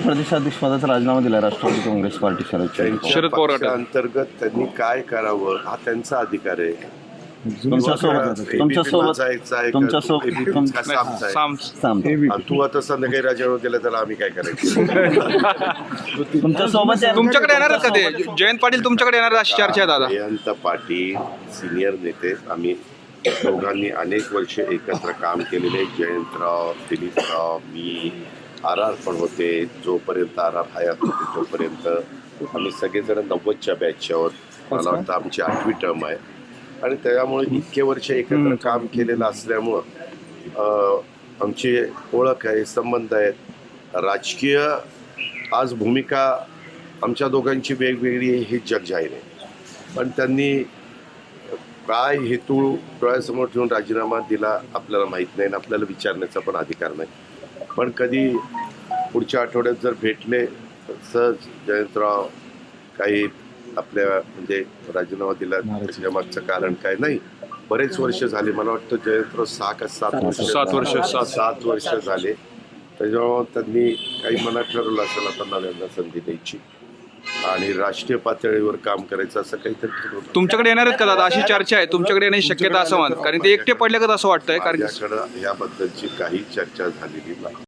प्रदेशाध्यक्षपदाचा राजीनामा दिला राष्ट्रवादी काँग्रेस पार्टी शरद पवार अंतर्गत त्यांनी काय करावं हा त्यांचा अधिकार आहे. तू आता संध्याकाळी राजीनामा दिला तर आम्ही काय करायचं? तुमच्याकडे येणार का ते जयंत पाटील तुमच्याकडे येणार अशी चर्चा आहे दादा? जयंत पाटील सिनियर नेते, आम्ही दोघांनी अनेक वर्ष एकत्र काम केलेले. जयंतराव, दिलीपराव, मी, आर पण होते. जोपर्यंत आर हयात होते तोपर्यंत आम्ही सगळेजण 90च्या बॅचच्या आहोत. मला वाटतं आमची 8वी टर्म आहे आणि त्यामुळे इतके वर्ष एकत्र काम केलेलं असल्यामुळं आमची ओळख आहे, संबंध आहेत. राजकीय आज भूमिका आमच्या दोघांची वेगवेगळी आहे हे जग जाहीर आहे. पण त्यांनी काय हेतू डोळ्यासमोर ठेवून राजीनामा दिला आपल्याला माहीत नाही आणि आपल्याला विचारण्याचा पण अधिकार नाही. पण कधी पुढच्या आठवड्यात जर भेटले तर सहज जयंतराव काही आपल्या म्हणजे राजीनामा दिला त्याच्या मागचं कारण काय नाही. बरेच वर्ष झाले, मला वाटतं जयंतराव 6 का 7 वर्ष झाले. त्याच्यामुळे त्यांनी काही मनात ठरवलं असेल आता नव्यांना संधी द्यायची आणि राष्ट्रीय पातळीवर काम करायचं असं काहीतरी ठरवलं. तुमच्याकडे येणार आहेत का दादा अशी चर्चा आहे? तुमच्याकडे येण्याची शक्यता असं कारण ते एकटे पडले का असं वाटतंय? कारण याबद्दलची काही चर्चा झालेली नाही.